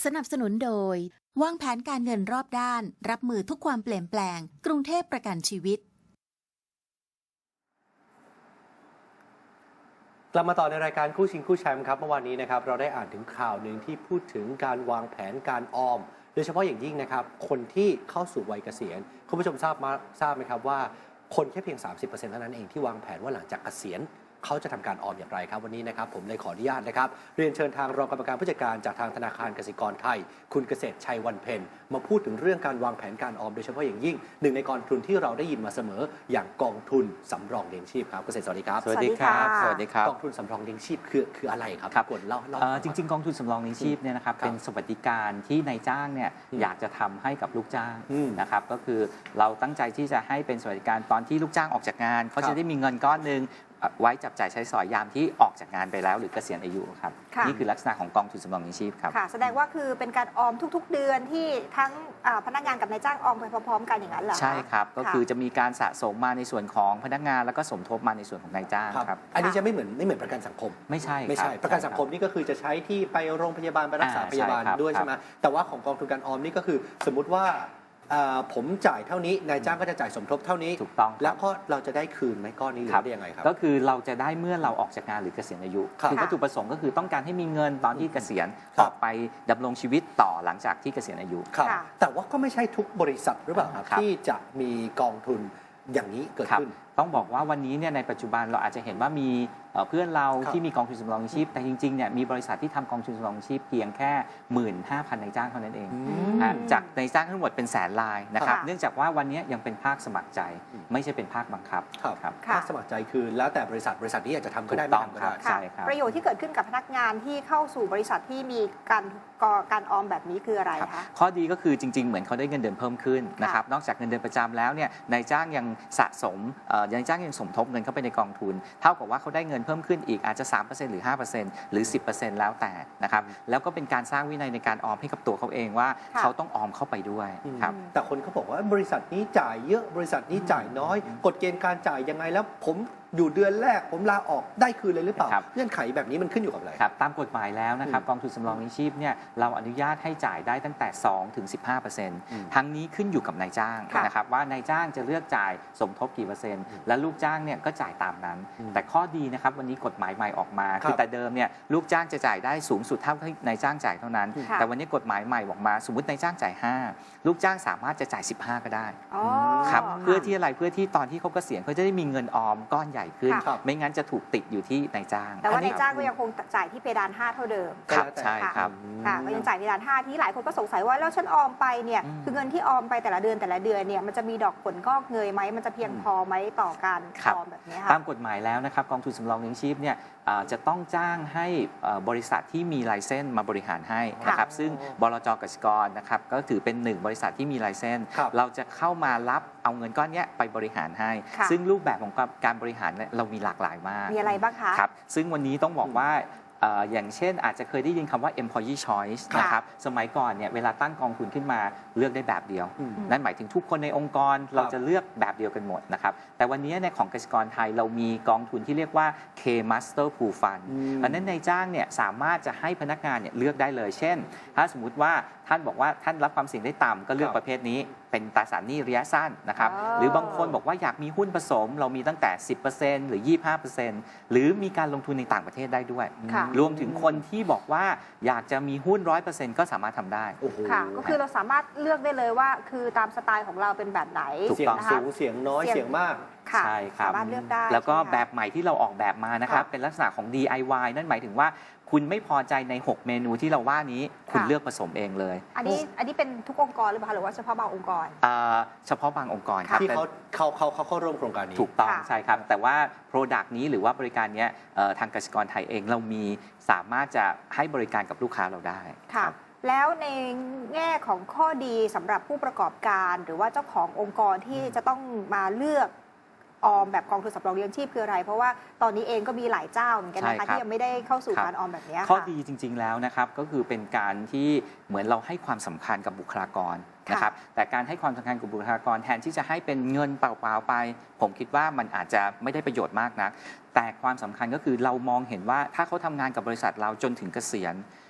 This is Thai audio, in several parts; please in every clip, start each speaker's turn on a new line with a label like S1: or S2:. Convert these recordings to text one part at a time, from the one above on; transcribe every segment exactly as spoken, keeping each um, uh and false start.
S1: นับสนุนโดยวางแผนการเงินรอบด้านรับมือทุกความเปลี่ยนแปลงกรุงเทพประกันชีวิต
S2: กลับมาต่อในรายการคู่ชิงคู่แชมป์ครับเมื่อวานนี้นะครับเราได้อ่านถึงข่าวหนึ่งที่พูดถึงการวางแผนการออมโดยเฉพาะอย่างยิ่งนะครับคนที่เข้าสู่วัยเกษียณคุณผู้ชมทราบมาทราบไหมครับว่าคนแค่เพียง สามสิบเปอร์เซ็นต์ เท่านั้นเองที่วางแผนว่าหลังจากเกษียณเขาจะทำการออมอย่างไรครับวันนี้นะครับผมเลยขออนุญาตนะครับเรียนเชิญทางรองกรรมการผู้จัดการจากทางธนาคารกสิกรไทยคุณเกษตรชัยวันเพ็ญมาพูดถึงเรื่องการวางแผนการออมโดยเฉพาะอย่างยิ่งหนึ่งในกองทุนที่เราได้ยินมาเสมออย่างกองทุนสำรองเลี้ยงชีพครับเกษตรสวัสดีครับ
S3: สวัสดีครับสวัสดีครับ
S2: กองทุนสำรองเลี้ยงชีพคือคืออะไรครับ
S3: ครับ
S2: กดเล่าเล่า
S3: จริงๆกองทุนสำรองเลี้ยงชีพเนี่ยนะครับเป็นสวัสดิการที่นายจ้างเนี่ยอยากจะทำให้กับลูกจ้างนะครับก็คือเราตั้งใจที่จะให้เป็นสวัสดิการตอนที่ลูกจ้างออกจากงานเขาจะได้มีเงินก้อนหนึ่งไว้จับจ่ายใช้สอยยามที่ออกจากงานไปแล้วหรือเกษียณอายุครับนี่คือลักษณะของกองทุนสำรองเลี้ยงชีพครับ
S4: ค่ะแสดงว่าคือเป็นการออมทุกๆเดือนที่ทั้งพนักงานกับนายจ้างออมไปพร้อมๆกันอย่างนั้นเหรอ
S3: ใช่ครับก็คือจะมีการสะสมมาในส่วนของพนักงานแล้วก็สมทบมาในส่วนของนายจ้างครับ
S2: อันนี้จะไม่เหมือนไม่เหมือนประกันสังคม
S3: ไม่ใช่
S2: ไม่ใช่ประกันสังคมนี่ก็คือจะใช้ที่ไปโรงพยาบาลไปรักษาพยาบาลด้วยใช่ไหมแต่ว่าของกองทุนการออมนี่ก็คือสมมุติว่าผมจ่ายเท่านี้นายจ้างก็จะจ่ายสมทบเท่านี้
S3: ถูกต้อง
S2: แล้วก็เราจะได้คืนไหมก้อนนี้หรือได้ยังไงครับ
S3: ก็คือเราจะได้เมื่อเราออกจากงานหรือเกษียณอายุคือวัตถุประสงค์ก็คือต้องการให้มีเงินตอนที่เกษียณออกไปดำรงชีวิตต่อหลังจากที่เกษียณอายุ
S2: ครับแต่ว่าก็ไม่ใช่ทุกบริษัทหรือเปล่าครับที่จะมีกองทุนอย่างนี้เกิดขึ้น
S3: ต้องบอกว่าวันนี้เนี่ยในปัจจุบันเราอาจจะเห็นว่ามีเพื่อนเราที่มีกองทุนสำรองชีพแต่จริงๆเนี่ยมีบริษัทที่ทำกองทุนสำรองชีพเพียงแค่ หนึ่งหมื่นห้าพัน นายจ้างเท่านั้นเองจากนายจ้างทั้งหมดเป็นแสนรายนะครับเนื่องจากว่าวันนี้ยังเป็นภาคสมัครใจไม่ใช่เป็นภาคบังคับ
S2: ครับภาคสมัครใจคือแล้วแต่บริษัทบริษัทนี้อยากจะทำก็ได้ไม่ทำก็ได้
S3: ใช่ครับ
S4: ประโยชน์ที่เกิดขึ้นกับพนักงานที่เข้าสู่บริษัทที่มีการการออมแบบนี้คืออะไรคะ
S3: ข้อดีก็คือจริงๆเหมือนเขาได้เงินเดือนเพิ่มขึ้นนะครับนอกจากเงินเดือนประจำแล้วเนี่ยนายจ้างยังสะสมนายจ้างยังสมทบเงินเข้าไปในกองทุนเท่ากับว่าเขาได้เงินเพิ่มขึ้นอีกอาจจะ สามเปอร์เซ็นต์ หรือ ห้าเปอร์เซ็นต์ หรือ สิบเปอร์เซ็นต์ แล้วแต่นะครับแล้วก็เป็นการสร้างวินัยในการออมให้กับตัวเขาเองว่าเขาต้องออมเข้าไปด้วยครับ
S2: แต่คนเขาบอกว่าบริษัทนี้จ่ายเยอะบริษัทนี้จ่ายน้อยกฎเกณฑ์การจ่ายยังไงแล้วผมอยู่เดือนแรกผมลาออกได้คืนเลยหรือเปล่าเงื่อนไขแบบนี้มันขึ้นอยู่กับอะไร
S3: ครับตามกฎหมายแล้วนะครับกองทุนสำรองเลี้ยงชีพเนี่ยเราอนุญาตให้จ่ายได้ตั้งแต่ สองถึงสิบห้าเปอร์เซ็นต์ ทั้งนี้ขึ้นอยู่กับนายจ้างนะครับว่านายจ้างจะเลือกจ่ายสมทบกี่เปอร์เซ็นต์และลูกจ้างเนี่ยก็จ่ายตามนั้นแต่ข้อดีนะครับวันนี้กฎหมายใหม่ออกมาคือแต่เดิมเนี่ยลูกจ้างจะจ่ายได้สูงสุดเท่าที่นายจ้างจ่ายเท่านั้นแต่วันนี้กฎหมายใหม่ออกมาสมมตินายจ้างจ่ายห้าลูกจ้างสามารถจะจ่ายสิบห้าก็ได้ครับเพื่อที่อะไรเพื่อที่ตอนที่เขาเกษียณเขาจะได้มีเงินออมก้อนใหญ่ขึ้นไม่งั้นจะถูกติดอยู่ที่นายจ้าง
S4: แต่ว่านายจ้างก็ยังคงจ่ายที่เพดานห้าเท่าเดิม
S3: ครับใช่ครับ
S4: ค่ะก็ยังจ่ายเพดานห้าที่หลายคนก็สงสัยว่าแล้วฉันออมไปเนี่ยคือเงินที่ออมไปแต่ละเดือนแต่ละเดือนเนี่ยมันจะมีดอกผลงอกเงยไหมมันจะเพียงพอไหมต่อการออมแบบนี้ค่ะ
S3: ตามกฎหมายแล้วนะครับกองทุนสำรองเลี้ยงชีพเนี่ยจะต้องจ้างให้บริษัทที่มีไลเซนส์มาบริหารให้นะครับซึ่งบลจ.กสิกรนะครับก็ถือเป็นหนึ่งบริษัทที่มีไลเซนส์เราจะเข้ามารับเอาเงินก้อนนี้ไปบริหารให้ซึ่งรูปแบบของการบริหารเรามีหลากหลายมาก
S4: มีอะไรบ้างคะ
S3: ครับซึ่งวันนี้ต้องบอกว่าอย่างเช่นอาจจะเคยได้ยินคำว่า employee choice นะครับสมัยก่อนเนี่ยเวลาตั้งกองทุนขึ้นมาเลือกได้แบบเดียวนั่นหมายถึงทุกคนในองค์กรเราจะเลือกแบบเดียวกันหมดนะครับแต่วันนี้ในของกสิกรไทยเรามีกองทุนที่เรียกว่า K Master Pool Fund อันนั้นนายจ้างเนี่ยสามารถจะให้พนักงานเนี่ยเลือกได้เลยเช่นถ้าสมมุติว่าท่านบอกว่าท่านรับความเสี่ยงได้ต่ำก็เลือกประเภทนี้เป็นตราสารหนี้ระยะสั้นนะครับหรือบางคนบอกว่าอยากมีหุ้นผสมเรามีตั้งแต่ สิบเปอร์เซ็นต์ หรือ ยี่สิบห้าเปอร์เซ็นต์ หรือมีการลงทุนในต่างประเทศได้ด้วยรวมถึงคนที่บอกว่าอยากจะมีหุ้น ร้อยเปอร์เซ็นต์ ก็สามารถทำได้
S4: ค่ะก็คือเราสามารถเลือกได้เลยว่าคือตามสไตล์ของเราเป็นแบบไหน
S2: เสียงสูงเสียงน้อยเสียงมาก
S3: ใช่ครับ
S4: สามารถเลือกได้
S3: แล้วก็แบบใหม่ที่เราออกแบบมานะครับเป็นลักษณะของ ดี ไอ วาย นั่นหมายถึงว่าคุณไม่พอใจในหกเมนูที่เราว่านี้คุณเลือกผสมเองเลย
S4: อันนี้อันนี้เป็นทุกองค์กรหรือเปล่าหรือว่าเฉพาะบางองค์กร
S3: เฉพาะบางองค์กรครับ
S2: ที่เขาเขาเขาเขาเข้าร่วมโครงการนี้
S3: ถูกต้องใช่ครับแต่ว่า Product นี้หรือว่าบริการนี้ทางกสิกรไทยเองเรามีสามารถจะให้บริการกับลูกค้าเราได้
S4: ค่ะแล้วในแง่ของข้อดีสำหรับผู้ประกอบการหรือว่าเจ้าขององค์กรที่จะต้องมาเลือกออมแบบกองทุนสำรองเลี้ยงชีพคืออะไรเพราะว่าตอนนี้เองก็มีหลายเจ้าเหมือนกันนะคะที่ยังไม่ได้เข้าสู่การออมแบบนี้
S3: ข้อดีจริงๆแล้วนะครับก็คือเป็นการที่เหมือนเราให้ความสำคัญกับบุคลากรนะครับแต่การให้ความสำคัญกับบุคลากรแทนที่จะให้เป็นเงินเปล่าๆไปผมคิดว่ามันอาจจะไม่ได้ประโยชน์มากนักแต่ความสำคัญก็คือเรามองเห็นว่าถ้าเขาทำงานกับบริษัทเราจนถึงเกษียณ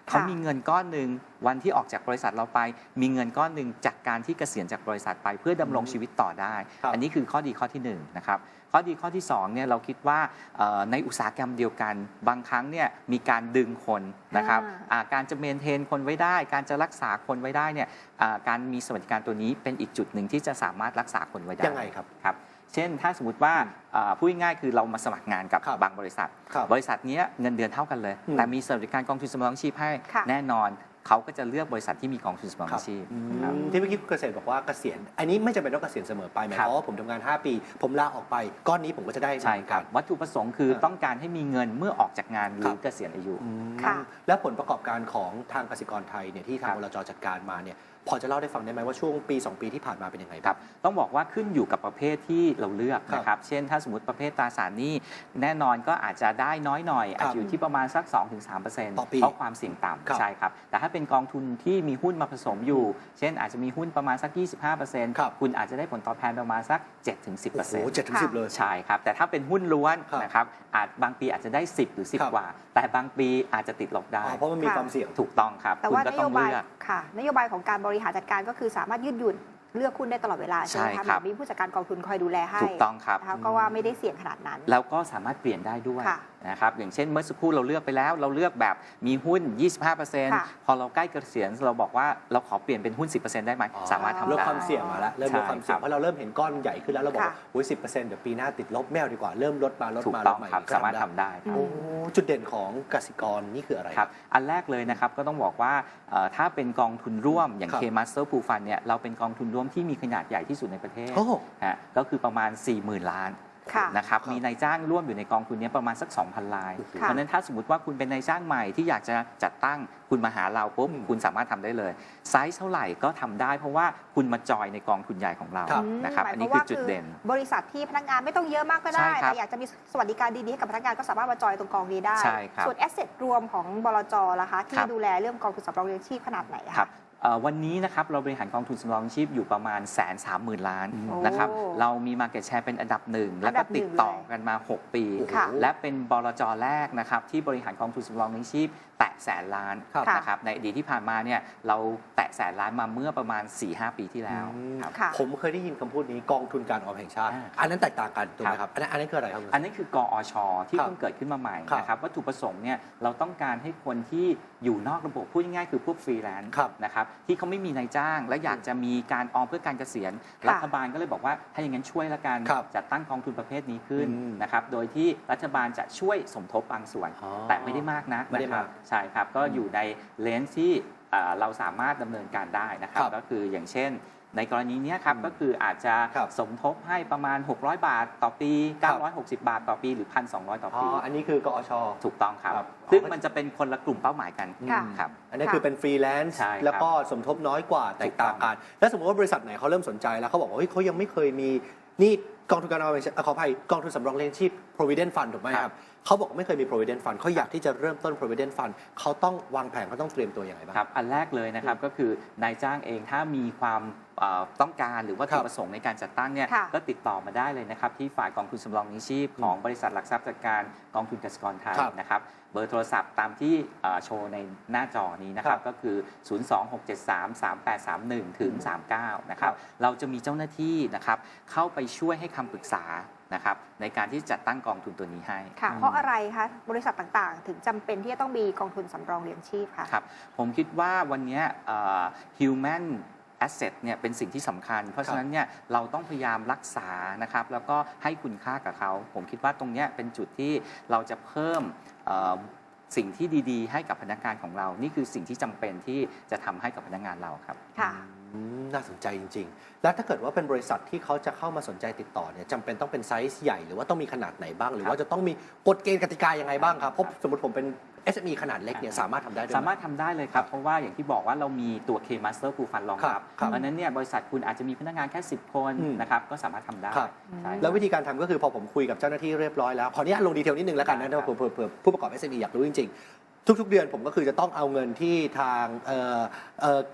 S3: เขามีเงินก้อนหนึ่งวันที่ออกจากบริษัทเราไป มีเงินก้อนหนึ่งจากการที่เกษียณจากบริษัทไปเพื่อดำรงชีวิตต่อได้ อันนี้คือข้อดีข้อที่หนึ่งนะครับข้อดีข้อที่สองเนี่ยเราคิดว่าในอุตสาหกรรมเดียวกันบางครั้งเนี่ยมีการดึงคนนะครับการจะเมนเทนคนไว้ได้ การจะรักษาคนไว้ได้เนี่ยการมีสวัสดิการตัวนี้เป็นอีกจุดหนึ่งที่จะสามารถรักษาคนไว้ได้
S2: ยังไงครับ
S3: ครับเช่นถ้าสมมติว่าพูดง่ายๆคือเรามาสมัครงานกับบางบริษัท บริษัทนี้เงินเดือนเท่ากันเลยแต่มีสวัสดิการกองทุนสำรองชีพให้แน่นอนเขาก็จะเลือกบริษัทที่มีกองทุนสำรองชีพ
S2: ที่เมื่อกี้คุณเกษตรบอกว่าเกษียณอันนี้ไม่จำเป็นต้องเกษียณเสมอไปหมายความว่าผมทำงานห้าปีผมลาออกไปก้อนนี้ผมก็จะได้
S3: ใช่ครับวัตถุประสงค์คือต้องการให้มีเงินเมื่อออกจากงานหรือเกษียณอายุ
S2: และผลประกอบการของทางกสิกรไทยเนี่ยที่ทางบลจ.จัดการมาเนี่ยพอจะเล่าได้ฟังได้ไหมว่าช่วงปีสองปีที่ผ่านมาเป็นยังไงครับ
S3: ต้องบอกว่าขึ้นอยู่กับประเภทที่เราเลือกนะครับเช่นถ้าสมมติประเภทตราสารหนี้แน่นอนก็อาจจะได้น้อยหน่อยอาจจะอยู่ที่ประมาณสัก สองถึงสามเปอร์เซ็นต์ เพราะความเสี่ยงต่ำใช่ครับแต่ถ้าเป็นกองทุนที่มีหุ้นมาผสมอยู่เช่นอาจจะมีหุ้นประมาณสัก ยี่สิบห้าเปอร์เซ็นต์ คุณอาจจะได้ผลตอบแทนประมาณสัก เจ็ดถึงสิบเปอร์เซ็นต์
S2: โอ้โห เจ็ดถึงสิบ เลย
S3: ใช่ครับแต่ถ้าเป็นหุ้นล้วนนะครับอาจบางปีอาจจะได้สิบหรือสิบกว่าแต่บางปีอาจจะติดลบได้
S2: เพราะมันมีความเสี่ยง
S3: ถูกต้องครับ
S4: แต่ว่านโยบายค่ะนโยบายของการบริหารจัดการก็คือสามารถยืดหยุ่นเลือกหุ้นได้ตลอดเวลาใช่ไหมคะมีผู้จัดการกองทุนคอยดูแลให้
S3: ถูกต้องครับ
S4: ก็ว่าไม่ได้เสี่ยงขนาดนั้น
S3: แล้วก็สามารถเปลี่ยนได้ด้วยนะครับอย่างเช่นเมื่อสักครู่เราเลือกไปแล้วเราเลือกแบบมีหุ้น ยี่สิบห้าเปอร์เซ็นต์ พอเราใกล้เกษียณเราบอกว่าเราขอเปลี่ยนเป็นหุ้น สิบเปอร์เซ็นต์ ได้ไหมสามารถทำได้
S2: เริ่มความเสี่ยงมาแล้วเริ่มลดความเสี่ยงเพราะเราเริ่มเห็นก้อนใหญ่ขึ้นแล้วเราบอกว่าอุ้ยสิบเปอร์เซ็นต์เดี๋ยวปีหน้าติดลบแมวดีกว่าเริ่มลดมาลดมาลดมา
S3: สามารถทำได้
S2: จุดเด่นของกสิกรนี่คืออะไร
S3: ครับอันแรกเลยนะครับก็ต้องบอกว่าถ้าเป็นกองทุนร่วมอย่าง K Master Pool Fund เนี่ยเราเป็นกองทุนร่วมที่มีขนาดใหญ่ที่สุดในประเทศก็คือประมาณ สี่หมื่น ล้านนะครับมีนายจ้างร่วมอยู่ในกองทุนนี้ประมาณสัก สองพัน รายเพราะนั้นถ้าสมมติว่าคุณเป็นนายจ้างใหม่ที่อยากจะจัดตั้งคุณมาหาเราปุ๊บคุณสามารถทำได้เลยไซส์เท่าไหร่ก็ทำได้เพราะว่าคุณมาจอยในกองทุนใหญ่ของเรานะครับอันนี้คือจุดเด่น
S4: บริษัทที่พนักงานไม่ต้องเยอะมากก็ได้แต่อยากจะมีสวัสดิการดีๆให้กับพนักงานก็สามารถมาจอยตรงกองนี้ได้ส่วนแอสเซทรวมของบลจ.ล่ะคะที่ดูแลเรื่องกองทุนสำรองเลี้ยงชีพขนาดไหนคะ
S3: วันนี้นะครับเราบริหารกองทุนสำรองชีพอยู่ประมาณแสนสามหมื่นล้านนะครับเรามี Market Share เป็นอันดับหนึ่งแล้วก็ติดต่อกันมา หก ปีและเป็นบลจ.แรกนะครับที่บริหารกองทุนสำรองเลี้ยงชีพแตะแสนล้านนะครับในอดีตที่ผ่านมาเนี่ยเราแตะแสนล้านมาเมื่อประมาณ สี่ห้า ปีที่แล้ว
S2: ผมเคยได้ยินคำพูดนี้กองทุนการออมแห่งชาติอันนั้นแตกต่างกันถูกไหมครับอันนั้นอันนั้นคืออะไรครับ
S3: อันนั้นคือกอชที่เพิ่งเกิดขึ้นมาใหม่นะครับวัตถุประสงค์เนี่ยเราต้องการให้คนที่อยู่นอกระบบพูดง่ายๆคือพวกฟรีแลนซ์นะครับที่เขาไม่มีนายจ้างและอยากจะมีการออมเพื่อการเกษียณรัฐบาลก็เลยบอกว่าถ้าอย่างนั้นช่วยละกันจัดตั้งกองทุนประเภทนี้ขึ้นนะครับโดยที่รัฐบาลจะช่วยสมทบบางส่วนแต่ไม่ได้มากนักนะครับใช่ครับก็อยู่ในเลนส์ที่เราสามารถดำเนินการได้นะครับก็คืออย่างเช่นในกรณีนี้ครับก็คืออาจจะสมทบให้ประมาณหกร้อยบาทต่อปีเก้าร้อยหกสิบบาทต่อปีหรือ หนึ่งพันสองร้อย ต่อปี
S2: อ๋ออันนี้คือกอช
S3: ถูกต้องครับซึ่งมันจะเป็นคนละกลุ่มเป้าหมายกันครับ
S2: อันนี้คือเป็นฟรีแลนซ์แล้วก็สมทบน้อยกว่าแตกต่างกันแล้วสมมติว่าบริษัทไหนเขาเริ่มสนใจแล้วเขาบอกว่าเฮ้ยเขายังไม่เคยมีนี่กองทุนการออมขออภัยกองทุนสำรองเลี้ยงชีพ provident fund ถูกไหมครับเขาบอกไม่เคยมี provident fund เขาอยากที่จะเริ่มต้น provident fund เขาต้องวางแผนเขาต้องเตรียมตัวอย่างไรบ้าง
S3: ครับอันแรกเลยนะครับก็คือนายจ้างเองถ้ามีความต้องการหรือว่าจุดประสงค์ในการจัดตั้งเนี่ยก็ติดต่อมาได้เลยนะครับที่ฝ่ายกองทุนสำรองเลี้ยงชีพของบริษัทหลักทรัพย์จัดการกองทุนกสิกรไทยนะครับเบอร์โทรศัพท์ตามที่โชว์ในหน้าจอนี้นะครับก็คือ ศูนย์ สอง หก เจ็ด สาม สาม แปด สาม หนึ่ง ถึง สามสิบเก้า นะครับเราจะมีเจ้าหน้าที่นะครับเข้าไปช่วยให้คำปรึกษานะครับในการที่จัดตั้งกองทุนตัวนี้ให้
S4: ค่ะเพราะอะไรคะบริษัทต่างๆถึงจำเป็นที่จะต้องมีกองทุนสำรองเลี้ยงชีพคะ
S3: ครับผมคิดว่าวันนี้ human asset เนี่ยเป็นสิ่งที่สำคัญเพราะฉะนั้นเนี่ยเราต้องพยายามรักษานะครับแล้วก็ให้คุณค่ากับเขาผมคิดว่าตรงนี้เป็นจุดที่เราจะเพิ่มสิ่งที่ดีๆให้กับพนักงานของเรานี่คือสิ่งที่จำเป็นที่จะทำให้กับพนักงานเราครับ
S4: ค่ะ
S2: น่าสนใจจริงๆแล้วถ้าเกิดว่าเป็นบริษัทที่เขาจะเข้ามาสนใจติดต่อเนี่ยจำเป็นต้องเป็นไซส์ใหญ่หรือว่าต้องมีขนาดไหนบ้างหรือว่าจะต้องมีกฎเกณฑ์กติกายังไงบ้างครับเพราะสมมติผมเป็น เอส เอ็ม อี ขนาดเล็กเนี่ยสามารถทำได้ด้วย
S3: สามารถทำได้เลยครับเพราะว่าอย่างที่บอกว่าเรามีตัว K Master Pool Fund รองรับเพราะนั้นเนี่ยบริษัทคุณอาจจะมีพนักงานแค่สิบคนนะครับก็สามารถทำได้
S2: แล้ววิธีการทำก็คือพอผมคุยกับเจ้าหน้าที่เรียบร้อยแล้วขออนุญาตลงดีเทลนิดนึงแล้วกันนะเผื่อผู้ประกอบ เอส เอ็ม อี อยากรู้จริงๆทุกๆเดือนผมก็คือจะต้องเอาเงินที่ทางเก็บ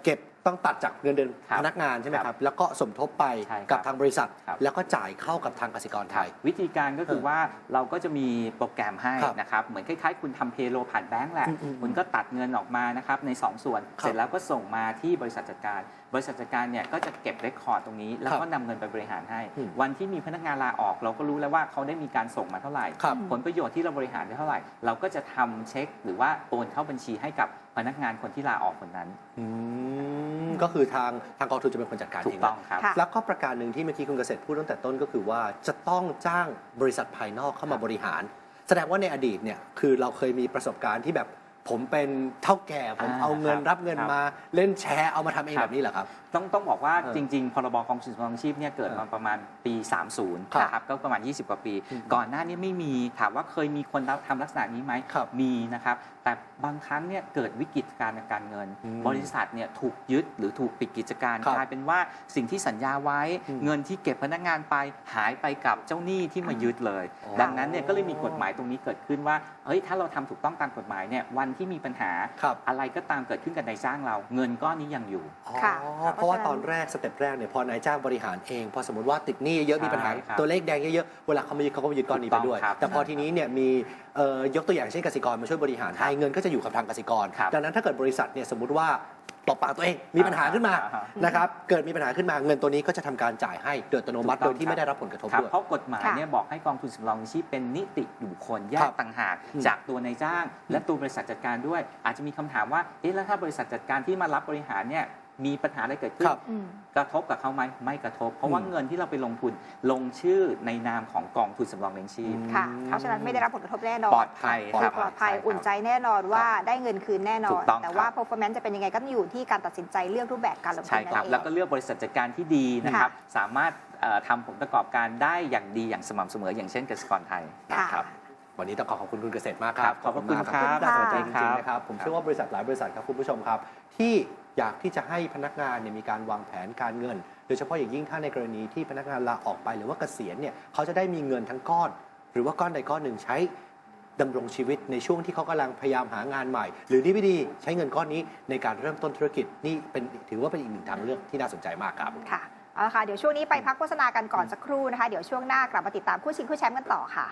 S2: ต้องตัดจากเงินเดือน
S3: ครับ
S2: พนักงานใช่ไหมค
S3: ครั
S2: รับ
S3: บ
S2: แล้วก็สมทบไป
S3: ใช่ครับ
S2: กับทางบริษัท
S3: ครับ
S2: แล้วก็จ่ายเข้ากับทางกสิกรไทย
S3: วิธีการก็คือว่าเราก็จะมีโปรแกรมให้
S2: ครับ
S3: นะครับเหมือนคล้ายๆ คุณทำเพโลผ่านแบงก์แหละ
S2: อืมอืม
S3: คุณก็ตัดเงินออกมานะครับในสองส่วน
S2: ครับ
S3: เสร็จแล้วก็ส่งมาที่บริษัทจัดการ บริษัทจัดการเนี่ยก็จะเก็บเรคคอร์ดตรงนี้ แล้วก็นำเงินไปบริหารให้
S2: อืม
S3: วันที่มีพนักงานลาออก เราก็รู้แล้วว่าเขาได้มีการส่งมาเท่าไหร่
S2: ครับ
S3: ผลประโยชน์ที่เราบริหารได้เท่าไหร่ เราก็จะทำเช็คหรือว่าโอนเข้าบัญชีให้กับพนักงานคนที่ลาออกคนนั้น
S2: อืมก็คือทางทางกองทุนจะเป็นคนจัดการ
S3: ถู
S2: เอก ง
S3: ต้องครับ
S4: ค่ะ
S2: แล้วก็ประการหนึ่งที่เมื่อกี้คุณเกษตรพูดตั้งแต่ต้นก็คือว่าจะต้องจ้างบริษัทภายนอกเข้ามาบริหาร แสดงว่าในอดีตเนี่ยคือเราเคยมีประสบการณ์ที่แบบผมเป็นเท่าแก่ผม
S3: อ่า
S2: เอาเงิน
S3: ครับ
S2: รับเงิน
S3: ครับ
S2: มาเล่นแชร์เอามาทำเอง
S3: ครับ
S2: แบบนี้เหรอครับ
S3: ต้องต้องบอกว่า
S2: เออ
S3: จริง ๆ พรบกองทุนสำรองชีพเนี่ยเกิดมาประมาณปี สามสิบ
S2: ครับ
S3: นะครับก็ประมาณ ยี่สิบ กว่าปี
S2: อืม
S3: ก่อนหน้านี้ไม่มีถามว่าเคยมีคนทำลักษณะนี้ไหม
S2: ครับ
S3: มีนะครับแต่บางครั้งเนี่ยเกิดวิกฤตการณ์ทางการเงิน
S2: อืม
S3: บริษัทเนี่ยถูกยึดหรือถูกปิดกิจการ
S2: ครับ
S3: กลายเป็นว่าสิ่งที่สัญญาไว้
S2: อืม
S3: เงินที่เก็บพนักงานไปหายไปกับเจ้าหนี้ที่มายึดเลย
S2: อ๋อ
S3: ดังนั้นเนี่ยก็เลยมีกฎหมายตรงนี้เกิดขึ้นว่าเฮ้ยถ้าเราทำถูกต้องตามกฎหมายเนี่ยวันที่มีปัญหา
S2: ครับ
S3: อะไรก็ตามเกิดขึ้นกับนายจ้างเรา เงินก้อนนี้ยังอยู่
S2: อ๋อ
S4: ค่ะ
S2: เพราะว่า
S4: เพราะฉะนั้น
S2: ตอนแรกสเต็ปแรกเนี่ยพอนายจ้างบริหารเอง พอสมมติว่าติดหนี้เยอะมีปัญหา
S3: ใช่ครับ
S2: ตัวเลขแดงเยอะๆเวลาเขามายึดเขาก็มายึดก้อนนี้ไปด้วย
S3: ถูกต้องครับ
S2: แต่พอทีนี้เนี่ยมีเอ่อยกตัวอย่างเช่นกสิกรมาช่วยบริหารให้เงินก็จะอยู่กับทางกสิกร
S3: ครับ
S2: ดังนั้นถ้าเกิดบริษัทเนี่ยสมมติว่าตบปากตัวเองมีปัญหาขึ้นมา
S3: อ่าฮะ
S2: นะครับเกิดมีปัญหาขึ้นมาเงินตัวนี้ก็จะทำการจ่ายให้โดยอัตโนมัติ
S3: ถูกต้
S2: โด
S3: อง
S2: ยที่
S3: ครับ
S2: ไม่ได้รับผลกระทบ
S3: ครับ
S2: ด้วย
S3: เพราะกฎหมาย
S4: ค่ะ
S3: เนี่ยบอกให้กองทุนสำรองชีพเป็นนิติบุคคลแย
S2: ครั
S3: ก
S2: บ
S3: ต่างหาก
S2: อืม
S3: จากตัวนายจ้าง และตัวบริษัทจัดการด้วย อาจจะมีคำถามว่าเอ๊ะแล้วถ้าบริษัทจัดการที่มารับบริหารเนี่ยมีปัญหาอะไรเกิดขึ้น
S2: ครับ
S4: อืม
S3: กระทบกับเขาไหมไม่กระทบ เพราะว่า
S2: อืม
S3: เงินที่เราไปลงทุนลงชื่อในนามของกองทุนสำรองเลี้ยงชีพ
S4: ค่ะ เพราะฉะนั้นไม่ได้รับผลกระทบแน่นอน
S3: ปลอดภัย
S2: ปลอด
S3: ครับ
S4: ปลอดภัย
S3: ใช่ครับ
S4: อุ่นใจแน่นอนว่าได้เงินคืนแน่นอ
S3: ถู
S4: น
S3: กต้อง
S4: แต่ว่า
S3: ครับ
S4: performance จะเป็นยังไงก็ต้องอยู่ที่การตัดสินใจเลือกรูปแบบการลงทุ
S3: ใช่
S4: นนั่
S3: ครับ
S4: นเอง
S3: แล้วก็เลือกบริษัทจัดการที่ดีนะครับ สามารถเอ่อทำผลประกอบการได้อย่างดีอย่างสม่ำเสมออย่างเช่นกสิกรไทย
S4: ค่ะ
S3: ครับ
S2: วันนี้ต้องขอขอบคุณคุณเกษตรมากค
S3: ครั
S2: รับบ
S3: ขอบพระคุณ
S2: มาก
S3: ครับ
S2: น่าสนใจ
S3: สวั
S2: จ
S3: สดีครั
S2: ริง
S3: บ
S2: ๆนะครับผมเชื่อว่าบริษัทหลายบริษัทครับคุณผู้ชมครับ ที่อยากที่จะให้พนักงานเนี่ยมีการวางแผนการเงิน โดยเฉพาะอย่างยิ่งถ้าในกรณีที่พนักงานลาออกไปหรือว่าเกษียณเนี่ยเขาจะได้มีเงินทั้งก้อน หรือว่าก้อนใดก้อนหนึ่งใช้ดำรงชีวิตในช่วงที่เขากำลังพยายามหางานใหม่ หรือนี่ไม่ดีใช้เงินก้อนนี้ในการเริ่มต้นธุรกิจนี่เป็นถือว่าเป็นอีกหนึ่งทางเลือกที่น่าสนใจมากครับ
S4: ค่ะเอาละค่ะ เดี๋ยวช่วงนี้ไปพักโฆษณากันก่อนสักครู่นะคะ เดี๋ยวช่วงหน้ากลับมาติดตามคู่ชิงคู่แชมป์กันต่อค่ะ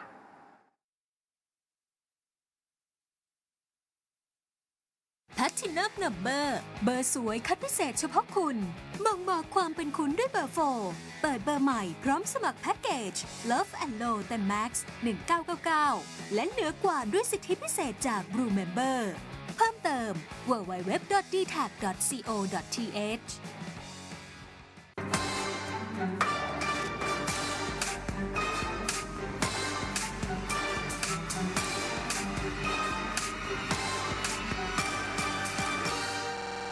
S5: แพทตินัมนัมเบอร์เบอร์สวยคัดพิเศษเฉพาะคุณบ่งบอกความเป็นคุณด้วยเบอร์โฟร์เปิดเบอร์ใหม่พร้อมสมัครแพ็กเกจ Love and Low แต่ Max หนึ่งเก้าเก้าเก้า และเหนือกว่าด้วยสิทธิพิเศษจาก Blue Member เพิ่มเติม ดับเบิลยู ดับเบิลยู ดับเบิลยู ดอท ดี แท็ก ดอท ซี โอ ดอท ที เอช